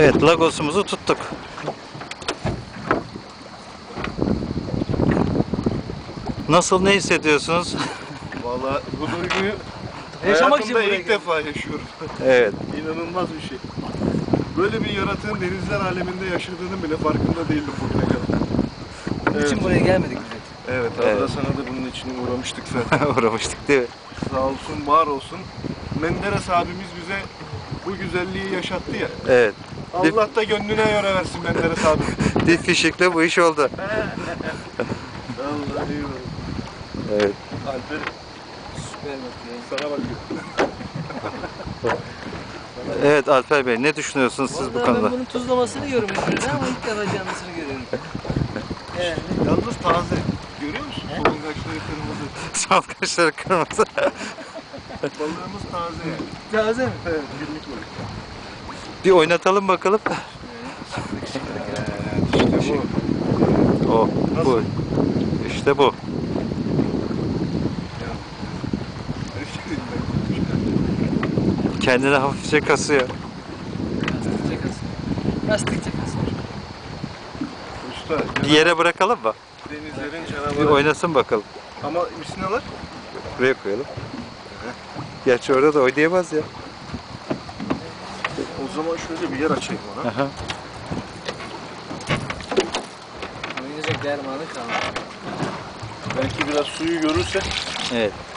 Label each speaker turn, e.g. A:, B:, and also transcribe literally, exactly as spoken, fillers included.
A: Evet, lagosumuzu tuttuk. Nasıl, ne hissediyorsunuz?
B: Vallahi bu duyguyu
C: Yaşamak için
B: hayatımda
C: buraya
B: ilk
C: geldim.
B: defa yaşıyorum.
A: Evet.
B: İnanılmaz bir şey. Böyle bir yaratığın denizler aleminde yaşadığının bile farkında değildim bugüne kadar.
C: Bunun
B: Evet.
C: için buraya gelmedik biz.
B: Evet,
A: Evet.
B: Adra sana da bunun için uğramıştık zaten.
A: Uğramıştık değil mi?
B: Sağ olsun, var olsun. Menderes abimiz bize bu güzelliği yaşattı ya.
A: Evet.
B: Allah da gönlüne göre versin Menderes abi.
A: Dip fişikle bu iş oldu.
B: Vallahi eyvallah.
A: Evet.
B: Alper
C: Süper bakıyor.
B: sana bakıyor.
A: Evet Alper Bey, ne düşünüyorsunuz siz
C: Vallahi
A: bu konuda?
C: ben bunun tuzlamasını yiyorum hepimiz ama ilk defa canlısını görüyorum. Yani
B: Yalnız taze. Görüyor musun? Solungaçları kırmızı.
A: Son kaşları kırmızı.
B: Balığımız taze yani.
C: taze mi?
B: Evet, günlük balık.
A: Bir oynatalım bakalım.
B: İşte bu.
A: O,
B: Nasıl?
A: bu. İşte bu. Kendine hafifçe kasıyor.
C: Lastikçe kasıyor. Lastikçe kasıyor.
B: Usta,
A: Bir yere bırakalım mı?
B: denizlerin
A: Bir
B: canavarı.
A: oynasın bakalım.
B: Ama misinalar?
A: Buraya koyalım. Gerçi orada da oynayamaz ya.
B: O zaman şöyle bir yer açayım ona.
A: Aha.
C: Oynayacak dermanı kalmadı.
B: Belki biraz suyu görürse
A: Evet.